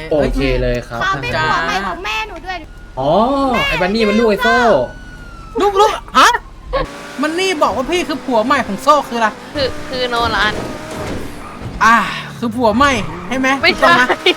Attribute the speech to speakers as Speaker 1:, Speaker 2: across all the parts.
Speaker 1: โอเคเลยครับ
Speaker 2: ขอเป็นหัวใหม่ของแม่หนูด้วย
Speaker 1: อ๋อไอ้บันนี่มันลูกไอ้โซ่
Speaker 3: ลูกฮะมันนี่บอกว่าพี่คือผัวใหม่ของโซ่คืออะไร
Speaker 4: คือโนรัน
Speaker 3: คือผัวใหม่ใช่ไหม
Speaker 4: ไม่
Speaker 3: ถูกต้
Speaker 4: ใช่
Speaker 3: องห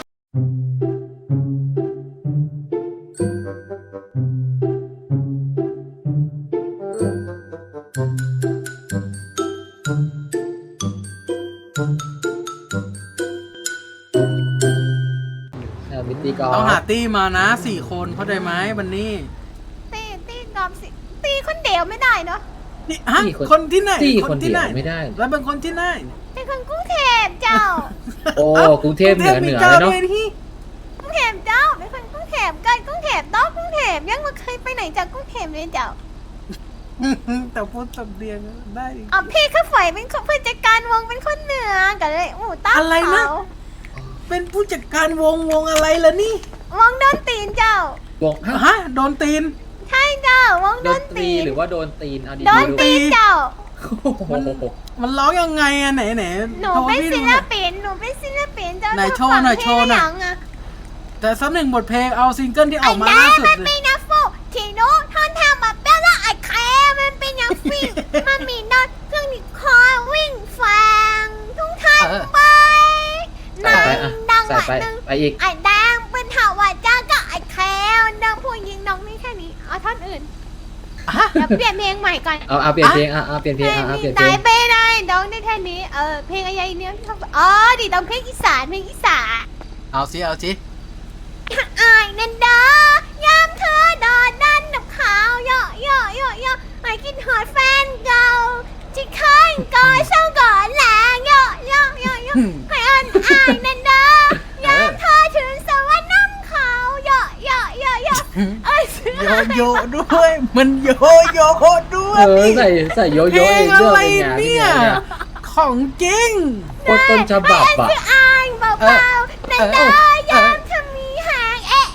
Speaker 1: มิตตี้ก่อน
Speaker 3: ต้องหาตี้มานะ4 คนเข้าใจไหมบันนี่
Speaker 2: ตีนอมสิตีคนเดียวไม่ได้เนาะ
Speaker 3: นี่ฮะคนที่ไหน
Speaker 1: ตี้คนเดียวไม่ได้
Speaker 3: แล้วเป็นคนที่ไหน
Speaker 2: เป็นคนกรุงเทพเจ้า
Speaker 1: โอ้กรุงเทพเหนือเลยเนาะ
Speaker 2: กรุงเทพเจ้าเป็นคนกรุงเทพกันกรุงเทพนอกกรุงเทพยังไม่เคยไปไหนจากกรุงเทพเลยเจ้า
Speaker 3: แต่พูดสำเนียงได้
Speaker 2: อ๋อพี่ข้าฝอยเป็นคนผู้จัดการวงเป็นคนเหนือกันเลยตั้ง
Speaker 3: อะไรนะ
Speaker 2: เขา
Speaker 3: เป็นผู้จัดการวงอะไรล่ะนี่
Speaker 2: วงโดนตีนเจ้าว
Speaker 1: ง
Speaker 3: ฮะโดนตีน
Speaker 2: ใช่เจ้าวง
Speaker 1: โด
Speaker 2: โด
Speaker 1: น
Speaker 2: น
Speaker 1: ตี
Speaker 2: ตีน
Speaker 1: หรือว่าโดนตีนเอาดี
Speaker 2: โดน
Speaker 1: ๆ
Speaker 2: ตีนเจ้า
Speaker 3: มันร้องยังไงอะไหน
Speaker 2: หนูเป็นศิลปินเจ้า
Speaker 3: ไหนโชว์หน่อยโชว์หน่อย แต่สักหนึ่งบทเพลงเอาซิงเกิลที่ออกมาล่าสุด
Speaker 2: มัน
Speaker 3: เล
Speaker 2: เป็น
Speaker 3: ย
Speaker 2: นักฟูที่หนูท่อนทำมาเป็นละไอ้แคมันเป็นนักฟิวมันมีนอนเครื่องนี้คอยวิ่งฟังทุกท่านไป
Speaker 1: ใส่ไปอ่ะ
Speaker 2: ดัง
Speaker 1: ใส่
Speaker 2: หวะ
Speaker 1: ไป
Speaker 2: หนึ่ง
Speaker 1: ไปอีก
Speaker 2: ไอ้แดงเป็นหาว่าจ้าก็ไอ้แคดังผู้หญิงน้องนี่แค่นี้เอาท่อนอื่นเดี๋ยวเปลี่ยนเพลงใหม่ก่อน
Speaker 1: เอาเปลี่ยนเพลงเอาเปลี่ยนเพลงเอาเปลี่ยนเพล
Speaker 2: ตาย
Speaker 1: ง
Speaker 2: ไปได้น้องได้แค่นี้เพลงอะไรเนี่ยอ๋อดิต้องเพลงอีสาน
Speaker 3: เอาสิ
Speaker 2: อายนันดายามเธอดอดันดับขาวเยอะไอ้กินหอดแฟนเก่าที่เคยก่อเศร้าก่อแหลงเยอะให้อันอายนันดายามเธอถึงสวรรค์น้ำขาวเยอะเอ้ย
Speaker 3: โยด้วย มันโยด้วย
Speaker 1: ใส่โยโย่
Speaker 3: เพล
Speaker 1: เอง ง
Speaker 3: อะ
Speaker 1: ด้วย
Speaker 3: ไร
Speaker 1: เป็นไง
Speaker 3: เนี่ย ของจริง
Speaker 1: โคตรต้นฉบับอ่ะ
Speaker 2: คืออายเบาๆนันดายามเธอมีหางเอ๊ะ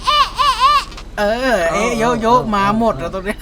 Speaker 3: โยมาหมดแล้วตรงนี้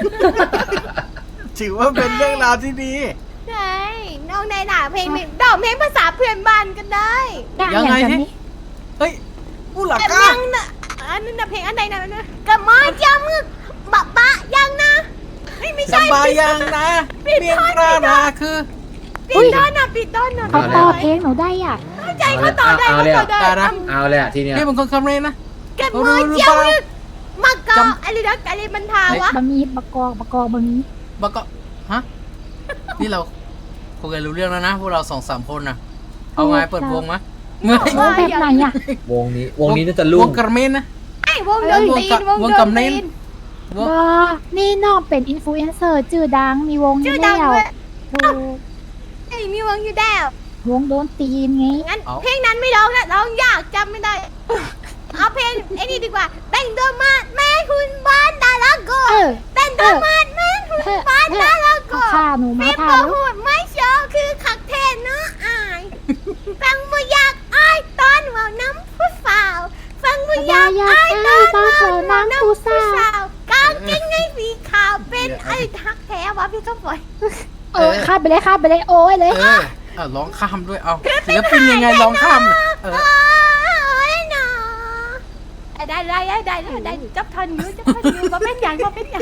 Speaker 3: ถือว่าเป็นเรื่องราวที่ดี
Speaker 2: ใช่น้องในหนาเพลงดอกเพลงภาษาเพื่อนบ้านกันได้
Speaker 3: ยังไงสิเฮ้ยผู้หลัก
Speaker 2: แต่
Speaker 3: ก้า
Speaker 2: ยังนะอันนั้นนะเพลงอันใดนะกระมอจามึกบะยังนะไม่
Speaker 3: ส
Speaker 2: ใช่
Speaker 3: บายยังนะเมียงปรานาคือ
Speaker 2: ปิดต้นนะ
Speaker 5: เขาต่อเพลงหนูได้อ่ะ
Speaker 2: เข้าใจเขาต่อได้
Speaker 1: เอาเลยอ่ะ เอาเลยอ่ะทีเนี้ย
Speaker 3: นี่เป็นคนคำเรนนะ
Speaker 2: กระมอจามึกมะกออะไรมันทาวะ
Speaker 5: บะมีบะกอกบะมี
Speaker 3: บักก็ฮะ นี่เราคุยกันรู้เรื่องแล้วนะพวกเรา2-3 คนนะเอาไงเปิดวงไหม
Speaker 5: วงแบบไหนอ่ะ
Speaker 1: วงนี้น่าจะลุ่
Speaker 3: ว
Speaker 1: ง
Speaker 3: งกระเมนนะ
Speaker 2: ไอ้วงโดนตีน
Speaker 3: วงกำเน้น
Speaker 5: บอนี่น้องเป็นอินฟลูเอนเซอร์ชื่อดังมีวง
Speaker 2: ชื่อ
Speaker 5: อยู่
Speaker 2: ดัง
Speaker 5: แล้ว
Speaker 2: เลย
Speaker 5: ถูก
Speaker 2: ไอ้มีวงอยู่แล้ว
Speaker 5: วงโดนตีนไง
Speaker 2: งั้นเพลงนั้นไม่ร้องนะร้องยากจำไม่ได้เอาเพลงไอ้นี่ดีกว่าแต่งตัวมาแม่คุณบ้านดาราโกแต่งตัวมาแม่คุณบ้านดาราโก
Speaker 5: ข้าหนูมา
Speaker 2: ไม่
Speaker 5: พา
Speaker 2: ประ
Speaker 5: ลูก
Speaker 2: หูดไม่โชว์คือขักเทนเนาะอายฟังบ่อยากอายตอนว่าน้ำผู้สาวฟังบ่อยากอายตอนว่าน้ำผู้สาวกางเกงในสีขาวเป็นไอ้ทักแท้วะพี่ก็ปล่อย
Speaker 5: ข้าไปเลยโอ้ยเลย
Speaker 3: ร้องข้ามด้วยเอาศิลปินยังไงร้องข้าม
Speaker 2: โอ้ยเนาะได้จับทันอยู่ว่าเป็นอย่าง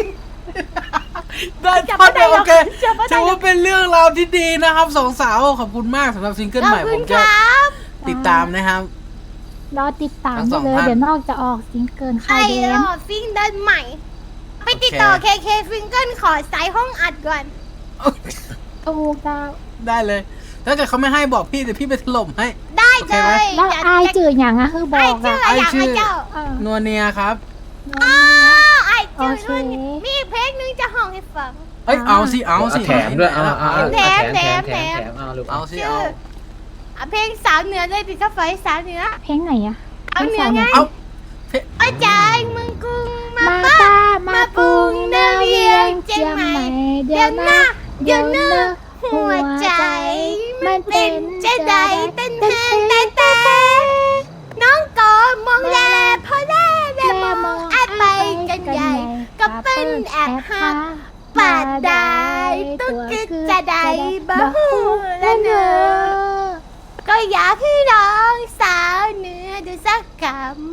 Speaker 3: ได้ท่อนเดียวโอเคถือว่าเป็นเรื่องราวที่ดีนะครับ2 สาวขอบคุณมากสำหรับซิงเกิลใหม่ผมจะติดตามนะครับ
Speaker 5: รอติดตามได้เลยเดี๋ยวนอกจะออกซิงเกิลค่ายแดน
Speaker 2: ซิงเกิลใหม่ ไปติดต่อเคซิงเกิลขอสายห้องอัดก่อน
Speaker 5: ถูกดาว
Speaker 3: ได้เลย ถ้าเกิดเขาไม่ให้บอกพี่เดี๋ยวพี่ไปถล่มให้
Speaker 2: ได้เลย
Speaker 5: แล้วอายจื่ออย่างอะคือบอกอะ
Speaker 2: ไอชื่อ
Speaker 3: นัวเนียครับ
Speaker 2: ไอชื่อมีเพลงนึงจะห้องให้ฟัง
Speaker 3: เอ้ยเอาสิ
Speaker 1: แถมด้วยเอา
Speaker 2: แถม
Speaker 1: เอาลูก
Speaker 3: เอาสิ
Speaker 2: ชื่อเพลงสาวเหนือเลยติดกับไฟสาวเหนือ
Speaker 5: เพลงไหนอะ
Speaker 2: เอาเหนือไง
Speaker 3: เอา
Speaker 2: อาจารย์มึงกรุงมา
Speaker 5: มา
Speaker 2: ป้า
Speaker 5: ตามาปรุงเดาเวียงเจียงใหม่เดี๋ยวนะเดี๋ยวนะหัวใจมันเป็นจะได้เต้นแทนแต่น้องก็มองแลพอแลมองแอบไปกันใหญ่ก็เป็นแอบหักปาดได้ตุ๊กจะได้บ่หูและเนอก็อยากให้น้องสาวเหนือดูสักคำ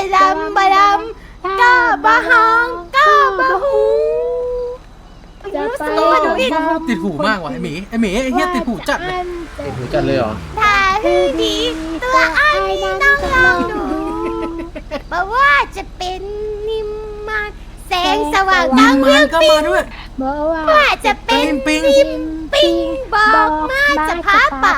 Speaker 2: ดำบะดำก็บะฮองก็บะฮู
Speaker 5: จะไป
Speaker 3: ติดหูมากว่ะไอหมีไอเฮียติดหูจัดเลย
Speaker 1: ติดหูจัดเลยเหรอ
Speaker 2: ถ้าคือดีตัวไอ้นี่ต้องลองดูบอกว่าจะเป็นนิมมานแสงสว่าง
Speaker 3: นิ
Speaker 2: ตั้ง
Speaker 3: ม
Speaker 2: เมื
Speaker 3: มา
Speaker 2: อน ง
Speaker 3: ก็
Speaker 2: ปิ
Speaker 3: มาง ด้วย
Speaker 5: บอกว่า
Speaker 2: ว่าจะเป็น
Speaker 3: ปิง
Speaker 2: นิมปิงบอกมาจะพาไป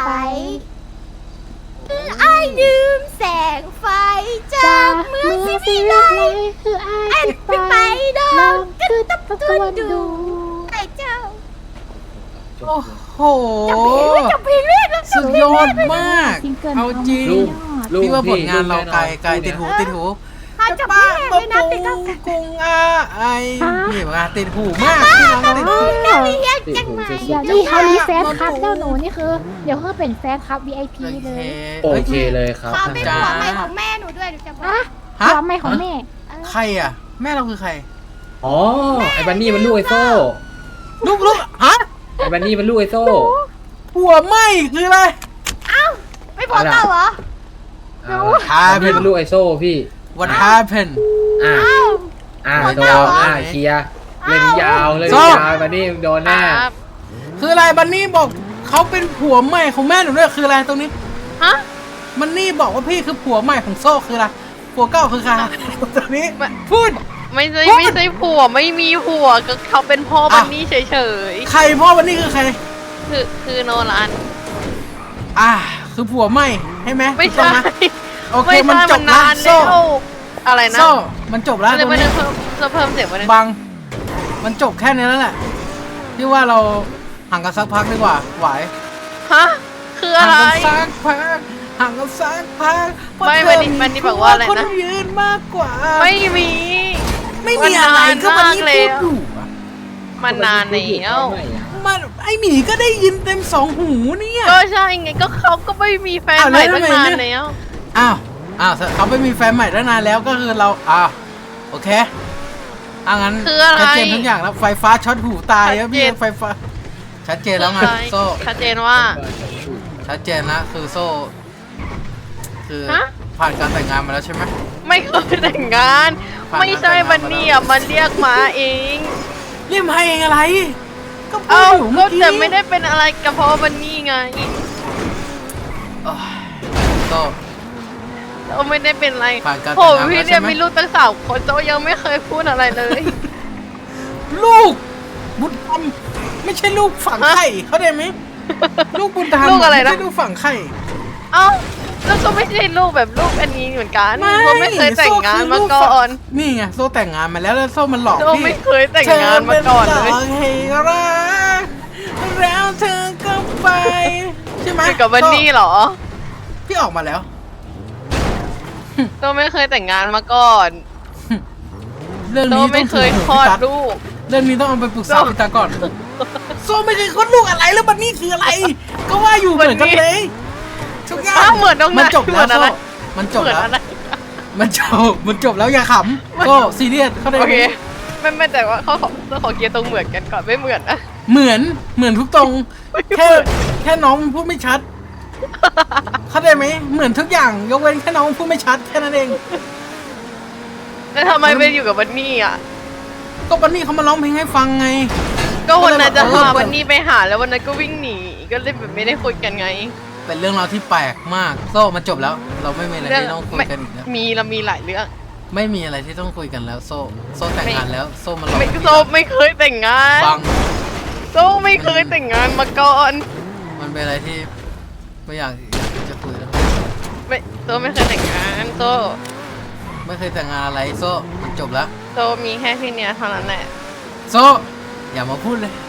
Speaker 2: ไอ้ลืมแสงไฟจากเมืองที่มีไร
Speaker 5: คือไอ้
Speaker 2: ไอ้
Speaker 5: จะ
Speaker 2: ไป
Speaker 5: ไป
Speaker 2: ดอ
Speaker 5: ลอง
Speaker 2: ก็
Speaker 5: คือ
Speaker 2: ตับ
Speaker 5: ตะ
Speaker 2: ตั
Speaker 5: ก
Speaker 2: ว
Speaker 5: วน
Speaker 2: ดู
Speaker 5: ดู
Speaker 2: ไอ้เจ้า
Speaker 3: โอ้โห
Speaker 2: จะเพลงเรื่อย
Speaker 3: สุดยอดมาก
Speaker 5: ซิงเกิล
Speaker 3: เอาจริง
Speaker 1: ลูกลูก
Speaker 3: พี่ว่าผลงานเราไกล
Speaker 1: พี่
Speaker 3: ไกลติดหูติดหู
Speaker 2: ถ้าจะเพลงเลยนะติดกับ
Speaker 3: กุ้งไอนี่ว่าติดหูมากพี่น้องติดหู
Speaker 2: นักเรียนจังไหม
Speaker 5: เดี๋ยวนี้เขามีแฟนคลับเจ้าหนูนี่คือ เดี๋ยวเขาเป็นแฟนคลับ VIP เลย
Speaker 1: โอเคเลยครับ
Speaker 2: ขอเป็นหัวไม้ของแม่หนูด้วยหนูจะบอก
Speaker 5: อะ
Speaker 3: ฮะ
Speaker 5: ความไม่ของแม่
Speaker 3: ใครอ่ะ แม่เราคือใคร
Speaker 1: อ๋อไอ้บันนี่มันลูกไอโซ่
Speaker 3: ลูกฮะ
Speaker 1: ไอ้บันนี่มันลูกไอโซ่
Speaker 3: หัวไหมคืออะไร
Speaker 2: ไม่พอเก่าเหรอ
Speaker 1: บันนี่มันลูกไอโซ่พี่
Speaker 3: What happened
Speaker 1: อ่า
Speaker 2: อ้าว
Speaker 1: โดนเคลียร์เล่นยาวเลย
Speaker 3: โซ่
Speaker 1: ยาวบันนี่โดนแน่
Speaker 3: คืออะไรบันนี่บอกเขาเป็นผัวใหม่ของแม่หนูด้วยคืออะไรตรงนี้
Speaker 4: ฮะ
Speaker 3: บันนี่บอกว่าพี่คือผัวใหม่ของโซ่คืออะไรผัวเก่าคือใครตรงนี้พูด
Speaker 4: ไม่ใช่ผัวไม่มีผัวก็เขาเป็นพ่อบันนี่เฉย
Speaker 3: ใครพ่อบันนี่คือใคร
Speaker 4: ๆคือโนรัน
Speaker 3: คือผัวใหม่ใช่ไหม
Speaker 4: ไม่
Speaker 3: ถูกต้อ
Speaker 4: ใช่
Speaker 3: งหโอเค
Speaker 4: ไม่
Speaker 3: มัน
Speaker 4: ใช่
Speaker 3: จ
Speaker 4: มั
Speaker 3: บ
Speaker 4: น
Speaker 3: แล้
Speaker 4: นาน
Speaker 3: โซ่
Speaker 4: แล้วอะไรนะ
Speaker 3: โซ่มันจบแล้วต
Speaker 4: เดี๋
Speaker 3: ร
Speaker 4: ยว
Speaker 3: ง
Speaker 4: มัน
Speaker 3: นี้
Speaker 4: เพิ่มเสียงไว้นะ
Speaker 3: บังมันจบแค่นี้แล้วแหละที่ว่าเราห่างกันสักพักดีกว่าไหว
Speaker 4: ฮะคือ
Speaker 3: ห่า
Speaker 4: อะ
Speaker 3: ง
Speaker 4: ไร
Speaker 3: กันสักพักห่างกันสักพัก
Speaker 4: ไม่วันนี้บอกว่าอะไรนะ
Speaker 3: คนยืนมากกว่า
Speaker 4: ไม่มี
Speaker 3: ไม่มีอะไรก็มันนี่พูดอยู่อะ
Speaker 4: มันนานแล้ว
Speaker 3: มันไอหมีก็ได้ยินเต็มสองหูเนี่ย
Speaker 4: ก็ใช่ไงก็เขาก็ไม่มีแฟน
Speaker 3: อ้าว
Speaker 4: ใหม่
Speaker 3: แล้ว
Speaker 4: ตั้ง
Speaker 3: ทำไม
Speaker 4: นาน
Speaker 3: เนี่ย
Speaker 4: แล้ว
Speaker 3: อ้าวเขาไปมีแฟนใหม่ตั้งนานแล้วก็คือเราโอเคงั้น
Speaker 4: คืออะไร
Speaker 3: ชัดเจนทุกอย่างแล้วไฟฟ้าช็อตหูตายแล้วพี่
Speaker 4: ชัดเจน
Speaker 3: ไฟฟ้าชัดเจนแล้วไงโซ่
Speaker 4: ชัดเจนว่า
Speaker 3: ชัดเจนนะคือโซ่คือ
Speaker 4: ฮะ
Speaker 3: ผ่านการแต่งงานมาแล้วใช่ไหม
Speaker 4: ไม่เคยแต่งงาน
Speaker 3: ผ่าน
Speaker 4: ไม่ใช่
Speaker 3: การแต่งงาน
Speaker 4: วันนี้อ่ะมันเรียกมาเอง
Speaker 3: เรียกมาเองอะไร ก็พูด
Speaker 4: เอ้า
Speaker 3: อยู่
Speaker 4: ก็
Speaker 3: เมื่อกี้
Speaker 4: แต่ไม่ได้เป็นอะไรกับเพราะวันนี้ไง
Speaker 3: โอ้ยโซ่
Speaker 4: เราไม่ได้เป็นอะไร
Speaker 3: ผ่านการแต่
Speaker 4: โอ้
Speaker 3: งงาน
Speaker 4: พี่
Speaker 3: แล้วใช่
Speaker 4: เนี่ย
Speaker 3: ไหม
Speaker 4: มีลูกตั้ง3 คนโจยังไม่เคยพูดอะไรเลย
Speaker 3: ลูกบุญธรรมไม่ใช่ลูกฝังไข่เข้าใจไหมลูกบุญธรรม
Speaker 4: ลูกอะไรนะ
Speaker 3: ไม่ใช่ลูกฝังไข่
Speaker 4: เอ้าแล้วก็ไม่ใช่ลูกแบบลูกอันนี้เหมือนกันก็ไม่เคยแต่งงานมา
Speaker 3: โซ่คื
Speaker 4: ก่
Speaker 3: ลู
Speaker 4: อน
Speaker 3: นี่ไงโซ่แต่งงานมาแล้วแล้วโซ่มันหลอก
Speaker 4: โจ
Speaker 3: พี่
Speaker 4: ไม่เคยแต่งงานมาก่อนเลย
Speaker 3: ธป็หให้รักแล้วเธอก็ไปใช่ไหม
Speaker 4: คือกับวันนี้เหรอ
Speaker 3: พี่ออกมาแล้ว
Speaker 4: โจไม่เคยแต่งงานมาก่อน
Speaker 3: เรื่อง
Speaker 4: โจ
Speaker 3: นี้
Speaker 4: ไม่
Speaker 3: ต้อง
Speaker 4: เคย
Speaker 3: ถึง
Speaker 4: คลอด
Speaker 3: พี่ตั๊ก
Speaker 4: ลูก
Speaker 3: เรื่องนี้ต้องเอาไปปรึกษา
Speaker 4: โซ่
Speaker 3: พี่ตาก่อนโซ่ไม่เคยคลอดลูกอะไรแล้วบันนี่คืออะไร ก็ว่าอยู่เหมือนกันเลยทุกอย่าง
Speaker 4: อ้าวเหมือนตรงไหน
Speaker 3: มันจบแล้ว
Speaker 4: เหมือนอะไร
Speaker 3: โซ่มันจบ
Speaker 4: เหมือน
Speaker 3: แล้ว
Speaker 4: อะไร
Speaker 3: มันจบแล้วอย่าขำโซ่ซีเรียสเข้าใจ
Speaker 4: โอ
Speaker 3: ไห
Speaker 4: เค
Speaker 3: ม
Speaker 4: ไม่แต่ว่าเขาขอเคลียร์ตรงเหมือนกันก่อนไม่เหมือนนะ
Speaker 3: เหมือนทุกตรง แค่น้องมันพูดไม่ชัด เข้าใจไหมเหมือนทุกอย่างยกเว้นแค่น้องพูดไม่ชัดแค่นั้นเอง
Speaker 4: แล้วทำไมไปอยู่กับวันนี้อ่ะ
Speaker 3: ก็บันนี่เขามาร้องเพลงให้ฟังไง
Speaker 4: ก็วันนั้นจะ
Speaker 3: ก็เลยแบบ
Speaker 4: พาวันนี้ไปหาแล้ววันนั้นก็วิ่งหนีก็เลยแบบไม่ได้คุยกันไง
Speaker 3: เป็นเรื่องราวที่แปลกมากโซ่มันจบแล้ว เราไม่มีอะไรที่ต้องคุยกันอีกแล้ว
Speaker 4: เรามีหลายเรื่อง
Speaker 3: ไม่มีอะไรที่ต้องคุยกันแล้วโซ่แต่งงานแล้วโซ่มาหลอก
Speaker 4: โซไม่เคยแต่งงาน
Speaker 3: บัง
Speaker 4: โซไม่เคยแต่งงานมาก่อน
Speaker 3: มันเป็นอะไรที่ไม่อยากจะคุยแล้ว
Speaker 4: โซไม่เคยแต่งงานโซ
Speaker 3: ไม่เคยแต่งงานอะไรโซ่มันจบแล้ว
Speaker 4: โซมีแค่พี่เนี้ยเท่านั้นแหละ
Speaker 3: โซ่อย่ามาพูดเลย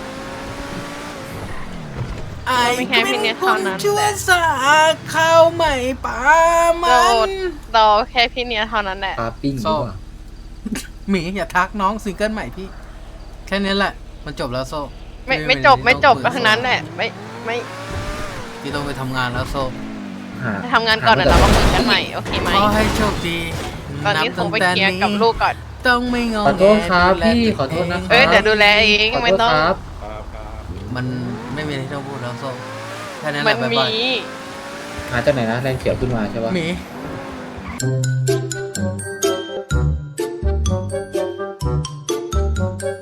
Speaker 3: ไอ้เป็นคนชั่วสาข้าวใหม่ป่า
Speaker 4: โซ
Speaker 3: มัน
Speaker 4: เราแค่พี่เนี้ยเท่านั้นแหละ
Speaker 1: ปาปิ้งดีกว่า
Speaker 3: หมีอย่าทักน้องซิงเกิลใหม่พี่ แค่นี้แหละ มันจบแล้วโซ่
Speaker 4: ไม่จบก็ทั้งนั้นแหละไม่
Speaker 3: พี่ต้องไปทำงานแล้วโซ่
Speaker 4: ไปทำงานก่อนเดี๋ยวเรามาคุยกันใหม่โอเคไหม
Speaker 3: ขอให้โชคดี
Speaker 4: ตอนนี้โซไปเคลียร์กับลูกก่อน
Speaker 3: ต้องไม่งง
Speaker 1: ขอโทษครับพี่ขอโทษนะค
Speaker 4: เอ้
Speaker 1: รั
Speaker 4: ยเดี๋ยวดูแลเอง
Speaker 1: ขอ
Speaker 4: ไม่
Speaker 1: โทษ
Speaker 4: ต้อง
Speaker 1: ครับ
Speaker 3: มันไม่มีอะไรที่ต้องพูดแล้วโซ่แค่นั้นแห
Speaker 4: มั
Speaker 3: ละ
Speaker 4: น
Speaker 3: บ๊าย
Speaker 4: มี
Speaker 3: บาย
Speaker 1: หาจากไหนนะแรงเขียวขึ้นมาใช่ปะ
Speaker 3: หมี
Speaker 2: Thank